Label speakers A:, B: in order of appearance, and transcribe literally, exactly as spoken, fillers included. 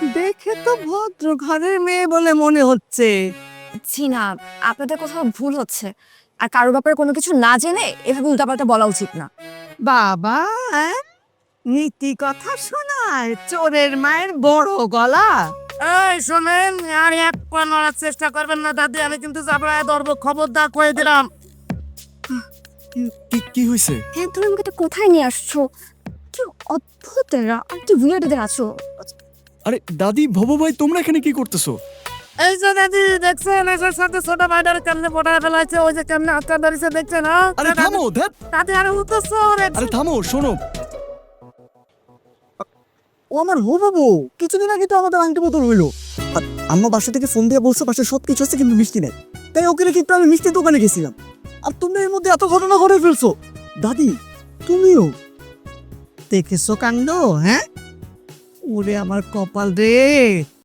A: দেখে তো ভদ্র ঘরের মেয়ে বলে মনে হচ্ছে।
B: জি না, আপনাদের কোথাও ভুল হচ্ছে। আর কারো ব্যাপারে কোনো কিছু না জেনে এভাবে উল্টাপাল্টা বলা উচিত না।
A: বাবা, হ্যাঁ, নীতি কথা শোনায় চোরের মায়ের বড় গলা। এই শোনেন, আর এক পা নড়ার চেষ্টা করবেন না দাদি, আমি কিন্তু চাপড়ায় ধরবো, খবরদার কয়ে দিলাম।
C: কি কি হয়েছে?
B: হ্যাঁ, তুমি আমাকে এটা কোথায় নিয়ে আসছো? কি অদ্ভুত এরা, আর কি উইয়ার্ডদের আছো।
C: আরে দাদি, ভবো ভাই, তোমরা এখানে কি করতেছো?
A: এই যে দাদি দেখছেন, এসের সাথে ছোট ভাইটার কেমনে পটায় ফেলাইছে, ওই যে কেমনে আটকা ধরেছে দেখছেন? হ্যাঁ
C: আরে থামো, ধ্যাৎ।
A: দাদি আরে উঠতেছ।
C: আরে থামো, শোনো।
D: ও আমার হো বাবু, কিছুদিন আগে তো আমাদের আংটি বোতল হইলো। আর আম্মা বাসা থেকে ফোন দিয়ে বলছে বাসায় সব কিছু আছে কিন্তু মিষ্টি নেই। তাই ওকে রেখে একটু আমি মিষ্টির দোকানে গেছিলাম। আর তুমি এর মধ্যে এত ঘটনা ঘটে ফেলছো। দাদি, তুমিও
A: দেখেছো কাণ্ড? হ্যাঁ, ওরে আমার কপাল রে।